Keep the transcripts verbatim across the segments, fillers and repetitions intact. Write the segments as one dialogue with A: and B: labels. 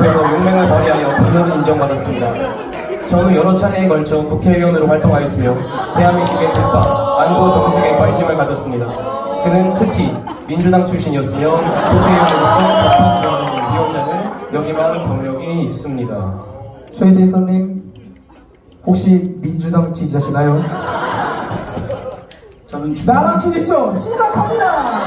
A: 앞에서 용맹을 발휘하여 본능을 인정받았습니다. 저는 여러 차례에 걸쳐 국회의원으로 활동하였으며 대한민국의 국방, 안보 정책에 관심을 가졌습니다. 그는 특히 민주당 출신이었으며 국회의원으로서 국방위원장을 역임한 경력이 있습니다.
B: 최혜태 이사님, 혹시 민주당 지지자시나요?
C: 저는
B: 나라 퀴즈쇼 시작합니다.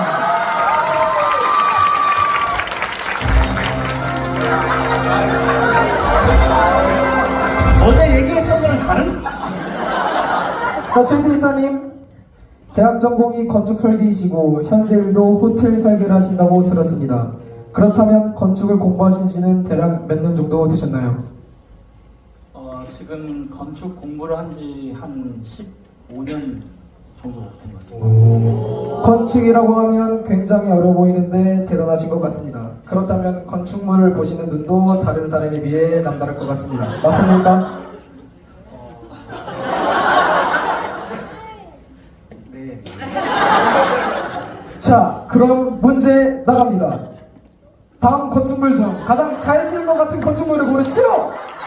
C: 어제 얘기했던 거랑 다른?
B: 자, 최혜태 이사님, 대학 전공이 건축 설계이시고 현재 일도 호텔 설계를 하신다고 들었습니다. 그렇다면 건축을 공부하신 지는 대략 몇 년 정도 되셨나요?
C: 어, 지금 건축 공부를 한 지 한 십오 년 정도 된 것 같습니다.
B: 건축이라고 하면 굉장히 어려 보이는데 대단하신 것 같습니다. 그렇다면 건축물을 보시는 눈도 다른 사람에 비해 남다를 것 같습니다. 맞습니까?
C: 네.
B: 자, 그럼 문제 나갑니다. 다음 건축물 중 가장 잘 지은 것 같은 건축물을 고르시오!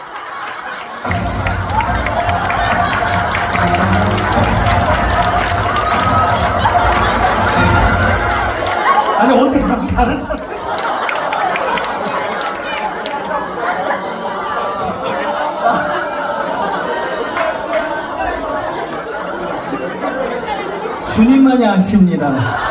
C: 아니 어제랑 다르잖아. 주님만이 아십니다.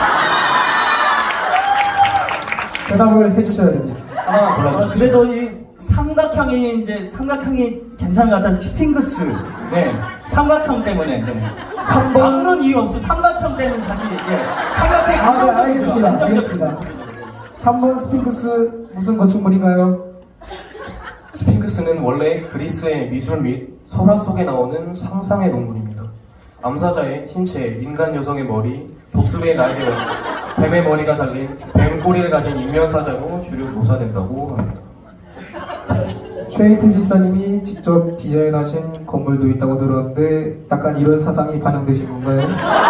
B: 대답을 해주셔야 됩니다.
A: 하나만
C: 어,
A: 골라주세요.
C: 그래도 이 삼각형이 이제 삼각형이 괜찮은 것 같다. 스핑크스. 네. 삼각형 때문에. 네.
B: 삼 번.
C: 아무런 이유 없어. 삼각형 때문에 단지 예. 삼각형이
B: 아, 네,
C: 긍정적이죠.
B: 알겠습니다.
C: 긍정적-
B: 알겠습니다. 삼 번 스핑크스 무슨 건축물인가요?
A: 스핑크스는 원래 그리스의 미술 및 설화 속에 나오는 상상의 동물입니다. 암사자의 신체, 인간 여성의 머리, 독수리의 날개와 뱀의 머리가 달린 뱀 꼬리를 가진 인면사자로 주로 묘사된다고 합니다.
B: 최희태 지사님이 직접 디자인하신 건물도 있다고 들었는데 약간 이런 사상이 반영되신 건가요?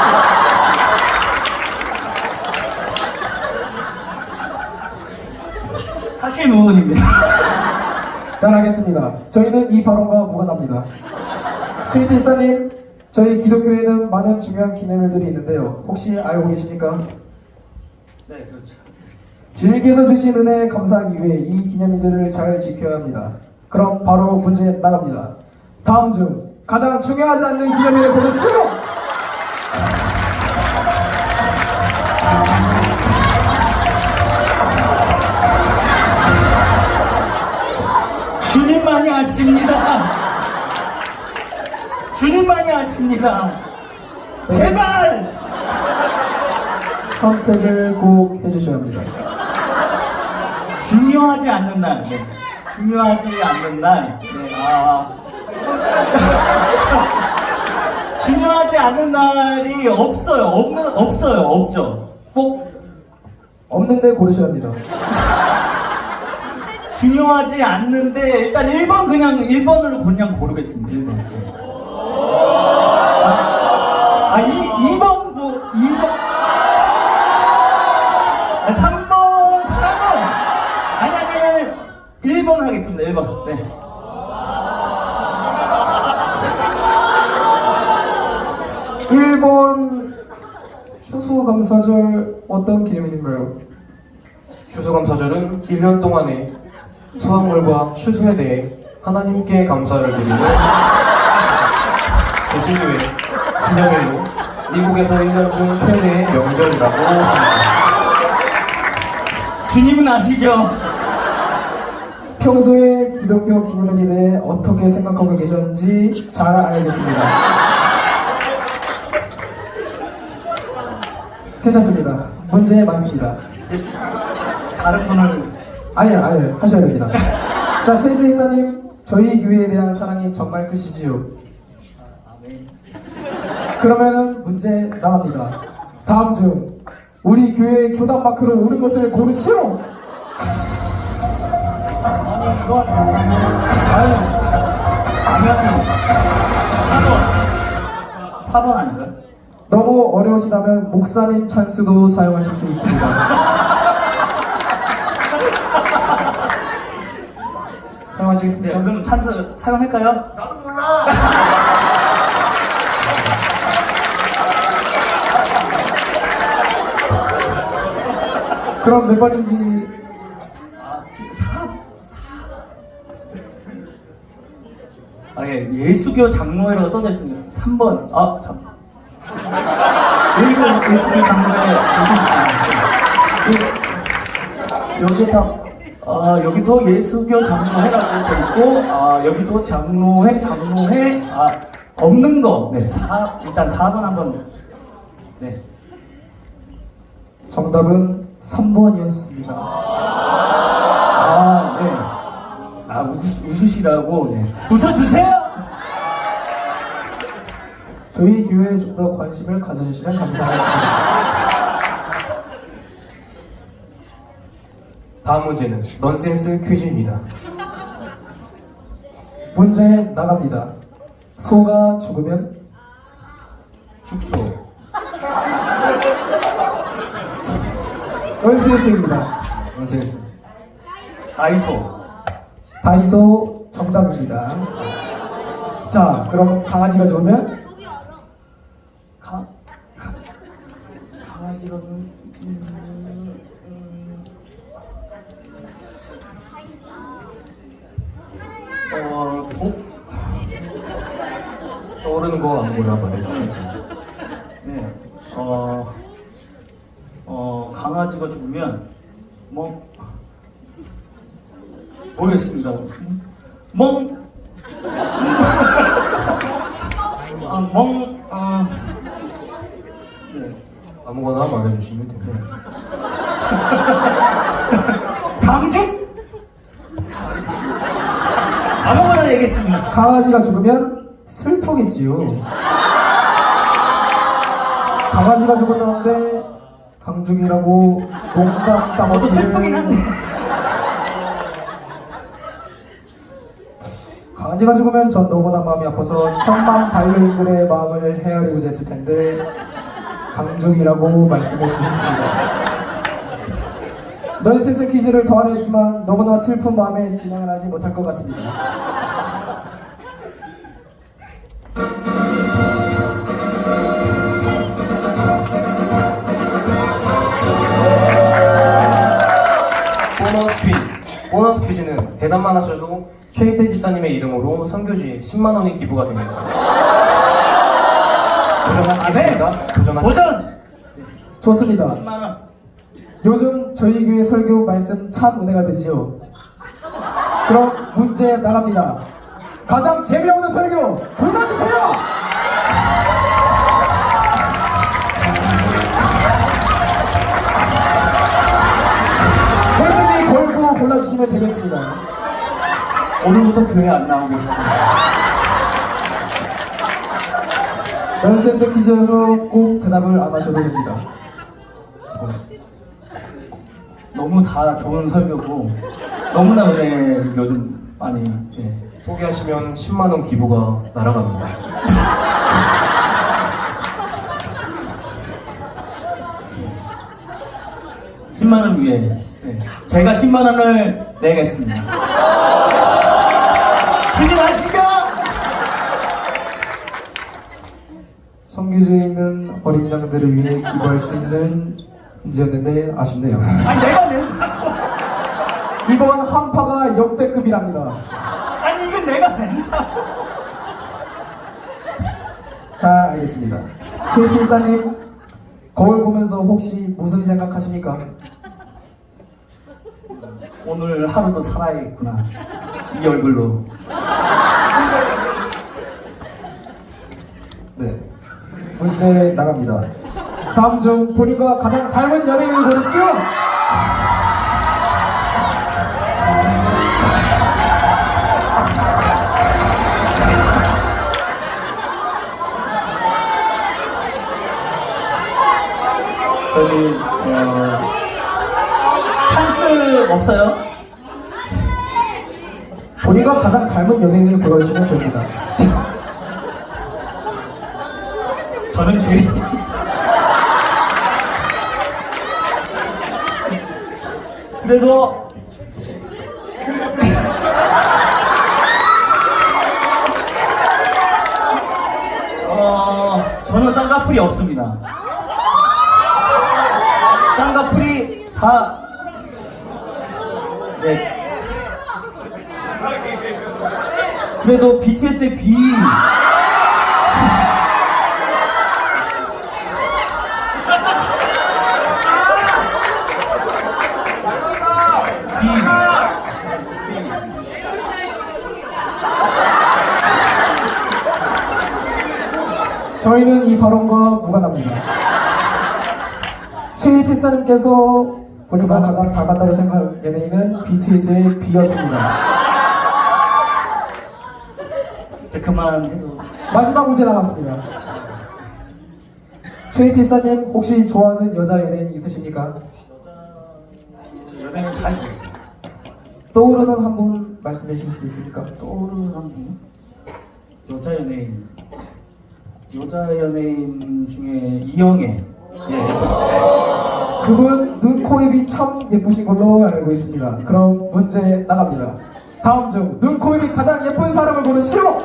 C: 사실 무근입니다.
B: 잘 알겠습니다. 저희는 이 발언과 무관합니다. 최희태 지사님, 저희 기독교에는 많은 중요한 기념일들이 있는데요. 혹시 알고 계십니까?
C: 네, 그렇죠.
B: 주님께서 주신 은혜에 감사하기 위해 이 기념일들을 잘 지켜야 합니다. 그럼 바로 문제 나갑니다. 다음 중 가장 중요하지 않는 기념일을 고르시오!
C: 주님만이 아십니다. 주님만이 아십니다. 제발!
B: 선택을 꼭 해주셔야 합니다.
C: 중요하지 않는 날. 네. 중요하지 않는 날. 네. 아. 중요하지 않은 날이 없어요. 없는 없어요. 없죠. 꼭
B: 없는데 고르셔야 합니다.
C: 중요하지 않는데 일단 일 번 그냥 일 번으로 그냥 고르겠습니다. 일 번. 아, 이, 이 번도 이 번. 아, 삼 번, 사 번. 아니 아니 아니. 일 번 하겠습니다. 일 번. 네.
B: 일 번 추수감사절 어떤 기념일인가요?
A: 추수감사절은 일 년 동안의 수확물과 추수에 대해 하나님께 감사를 드리는 대신교회 기념일로 미국에서 일 년 중 최대의 명절이라고 합니다.
C: 주님은 아시죠?
B: 평소에 기독교 기념일에 대해 어떻게 생각하고 계셨는지 잘 알겠습니다. 괜찮습니다. 문제 많습니다.
C: 이제 다른 분을
B: 아니요, 아니요, 하셔야 됩니다. 자, 최희재 이사님, 저희 교회에 대한 사랑이 정말 크시지요.
C: 아멘.
B: 그러면은 문제 나갑니다. 다음 중 우리 교회의 교단 마크로 오른 것을 고르시오.
C: 아니 이건 아유 당연히 사 번 사 번 아닌가요?
B: 너무 어려우시다면 목사님 찬스도 사용하실 수 있습니다.
C: 네,
B: 사용하시겠습니까?
C: 그럼 찬스 사용할까요?
D: 나도 몰라.
B: 그럼 몇 번인지
C: 아, 사, 사. 아, 예, 예수교 장로회라고 써져 있습니다. 삼 번. 아, 참. 여기가 예수교 장로회 보십니까? 여기 다, 아, 여기도 예수교 장로회라고 돼 있고, 아, 여기도 장로회, 장로회, 아, 없는 거. 네, 사, 일단 사 번 한번. 네.
B: 정답은 삼 번이었습니다.
C: 아, 네. 아, 웃, 웃으시라고, 네. 웃어주세요!
B: 저희 교회에 좀 더 관심을 가져주시면 감사하겠습니다.
A: 다음 문제는 넌센스 퀴즈입니다.
B: 문제 나갑니다. 소가 죽으면
C: 축소.
B: 넌센스입니다.
A: 넌센스.
C: 다이소.
B: 다이소 정답입니다. 자, 그럼 강아지가 죽으면
C: 가, 가, 강아지가 좀, 음, 음, 어, 동,
A: 떠오르는 거 아무거나 말해주시면 됩니다.
C: 네, 어, 어, 강아지가 죽으면, 뭐, 모르겠습니다. 멍, 아, 멍, 아, 네.
A: 아무거나 말해주시면 됩니다.
C: 강직? 아무거나 얘기했습니다.
B: 강아지가 죽으면 슬프겠지요. 강아지가 죽었다는데 강중이라고 농담 따먹기를
C: 저도 슬프긴 한데.
B: 강아지가 죽으면 전 너무나 마음이 아파서 천만 반려인들의 마음을 헤아리고자 했을 텐데 강중이라고 말씀해 주셨습니다. 넌센스 퀴즈를 더 하려 했지만 너무나 슬픈 마음에 진행을 하지 못할 것 같습니다.
A: 보너스 퀴즈. 보너스 퀴즈는 대답만 하셔도 최희태 지사님의 이름으로 선교지에 십만 원이 기부가 됩니다. 도전하시겠습니까? 도전하시겠습니까?
C: 도전!
B: 좋습니다.
C: 십만 원.
B: 요즘 저희 교회 설교 말씀 참 은혜가 되지요. 그럼 문제 나갑니다. 가장 재미없는 설교 골라주세요. 혜진이 걸고 골라주시면 되겠습니다.
C: 오늘부터 교회 안 나오겠습니다.
B: 넌센스 퀴즈여서 꼭 대답을 안 하셔도 됩니다.
A: 수고하셨습니다.
C: 너무 다 좋은 설교고 너무나 은혜를 요즘 많이 예.
A: 포기하시면 십만 원 기부가 날아갑니다.
C: 십만 원 위에 예. 제가 십만 원을 내겠습니다. 진입하시죠!
B: 성교지에 있는 어린 양들을 위해 기부할 수 있는 문제였는데 아쉽네요.
C: 아니 내가 낸다고.
B: 이번 한파가 역대급이랍니다.
C: 아니 이건 내가 낸다고.
B: 자, 알겠습니다. 최일사님, 거울 보면서 혹시 무슨 생각하십니까?
C: 오늘 하루도 살아야겠구나. 이 얼굴로.
B: 네. 문제 나갑니다. 다음 중 본인과 가장 닮은 연예인을 고르시오.
C: 저희 어, 찬스 없어요?
B: 본인과 가장 닮은 연예인을 고르시면 됩니다.
C: 저는 죄인입니다. 그래도 쌍꺼풀이 없습니다. 쌍꺼풀이 다 네. 그래도 비티에스의 비 비
B: 저희는 이 발언과 무관합니다. 최희태사님께서 본인과 가장 닮았다고 생각한 연예인은 비티에스의 비였습니다.
C: 이제 그만해도
B: 마지막 문제 남았습니다. 최희태사님 혹시 좋아하는 여자 연예인 있으십니까?
C: 연예인 잘
B: 떠오르는 한 분 말씀해 주실 수 있습니까?
C: 떠오르는 한 분? 여자 연예인 여자 연예인 중에 이영애 예 예쁘시죠?
B: 그분 눈, 코, 입이 참 예쁘신 걸로 알고 있습니다. 그럼 문제 나갑니다. 다음 중 눈, 코, 입이 가장 예쁜 사람을 고르시오!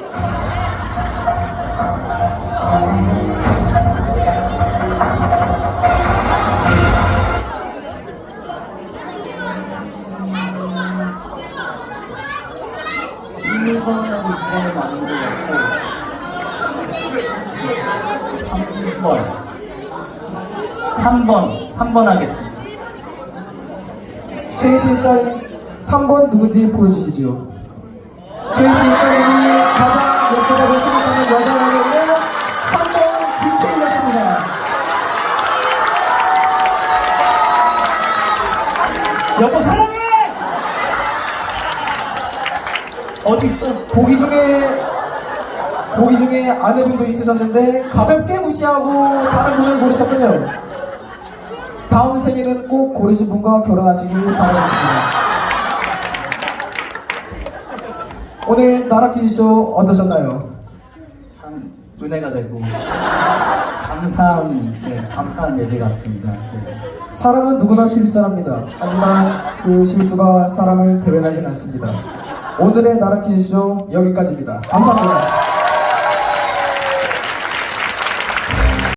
C: 일 번하고 이 번은 아닌 것 같고 삼 번 삼 번 삼 번 하겠습니다.
B: 최희태사님 삼 번 누군지 보여주시지요. 최희태사님이 가장 예쁘다고 생각하는 여자 연예인은 삼 번 김태희였습니다.
C: 여보 사랑해! 어디 있어?
B: 보기 중에 보기 중에 아내분도 있으셨는데 가볍게 무시하고 다른 분을 고르셨군요. 다음 생에는 꼭 고르신 분과 결혼하시길 바라겠습니다. 오늘 나라 퀴즈쇼 어떠셨나요?
C: 참 은혜가 되고 감사한 네, 감사한 예배 같습니다. 네.
B: 사람은 누구나 실수합니다. 하지만 그 실수가 사람을 대변하진 않습니다. 오늘의 나라 퀴즈쇼 여기까지입니다. 감사합니다.